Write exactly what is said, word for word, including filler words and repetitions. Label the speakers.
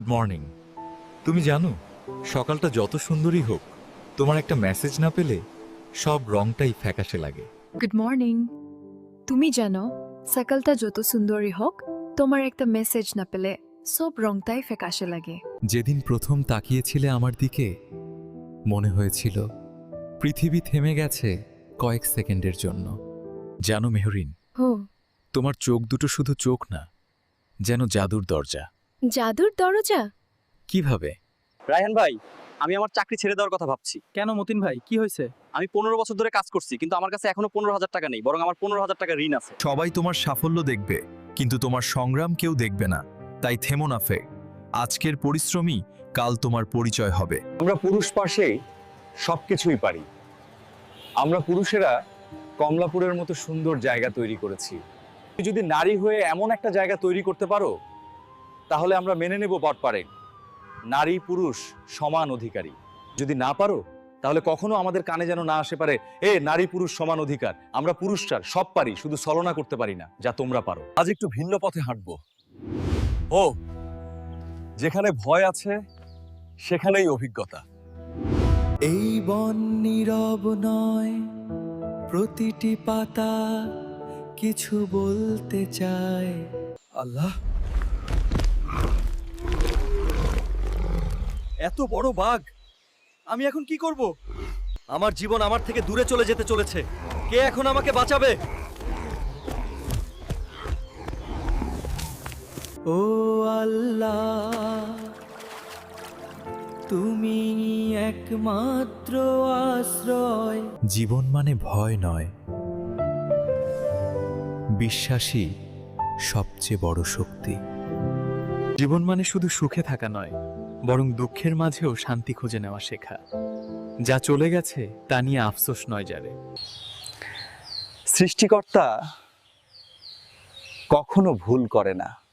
Speaker 1: Morning. তুমি জানো, সকালটা যত সুন্দরই হোক, তোমার একটা মেসেজ না পেলে সব রংটাই ফ্যাকাশে লাগে।
Speaker 2: Good morning. তুমি জানো, সকালটা যত সুন্দরই হোক, তোমার একটা মেসেজ না পেলে সব রংটাই ফ্যাকাশে লাগে।
Speaker 1: যেদিন প্রথম তাকিয়েছিলে আমার দিকে, মনে হয়েছিল পৃথিবী থেমে গেছে কয়েক সেকেন্ডের জন্য। জানো মেহরিন,
Speaker 2: হো,
Speaker 1: তোমার চোখ দুটো শুধু চোখ না, যেন জাদুর দরজা।
Speaker 2: জাদুর দরজা?
Speaker 1: কিভাবে?
Speaker 3: রায়হান ভাই, আমি আমার চাকরি ছেড়ে দেওয়ার কথা ভাবছি।
Speaker 4: কেন মতিন ভাই, কি হয়েছে?
Speaker 3: আমি পনেরো বছর ধরে কাজ করছি, কিন্তু আমার কাছে এখনো পনেরো হাজার টাকা নেই, বরং আমার পনেরো হাজার টাকা ঋণ আছে।
Speaker 5: সবাই তোমার সাফল্য দেখবে, কিন্তু তোমার সংগ্রাম কেউ দেখবে না। তাই থেমো না ফে। আজকের পরিশ্রমই কাল তোমার পরিচয় হবে।
Speaker 6: আমরা পুরুষ পাশে সবকিছুই পারি। আমরা পুরুষেরা কমলাপুরের মতো সুন্দর জায়গা তৈরি করেছি। তুমি যদি নারী হয়ে এমন একটা জায়গা তৈরি করতে পারো, তাহলে আমরা মেনে নেব বটপারে নারী পুরুষ সমান অধিকারী। যদি না পারো, তাহলে কখনো আমাদের কানে যেন না আসে পারে, এ নারী পুরুষ সমান অধিকার। আমরা পুরুষরা সব পারি, শুধু ছলনা করতে পারি না, যা তোমরা পারো।
Speaker 5: আজ একটু ভিন্ন পথে হাঁটবো। ও, যেখানে ভয় আছে সেখানেই অভিজ্ঞতা।
Speaker 7: এই বন নীরব নয়, প্রতিটি পাতা কিছু বলতে চায়।
Speaker 5: আল্লাহ, এত বড় বাঘ! আমি এখন কি করব? আমার জীবন আমার থেকে দূরে চলে যেতে চলেছে। কে এখন আমাকে বাঁচাবে?
Speaker 7: ও আল্লাহ, তুমি একমাত্র আশ্রয়।
Speaker 1: জীবন মানে ভয় নয়, বিশ্বাসী সবচেয়ে বড় শক্তি। জীবন মানে শুধু সুখে থাকা নয়, বরং দুঃখের মাঝেও শান্তি খুঁজে নেওয়া শেখা। যা চলে গেছে তা নিয়ে আফসোস নয় যারে।
Speaker 6: সৃষ্টিকর্তা কখনো ভুল করে না।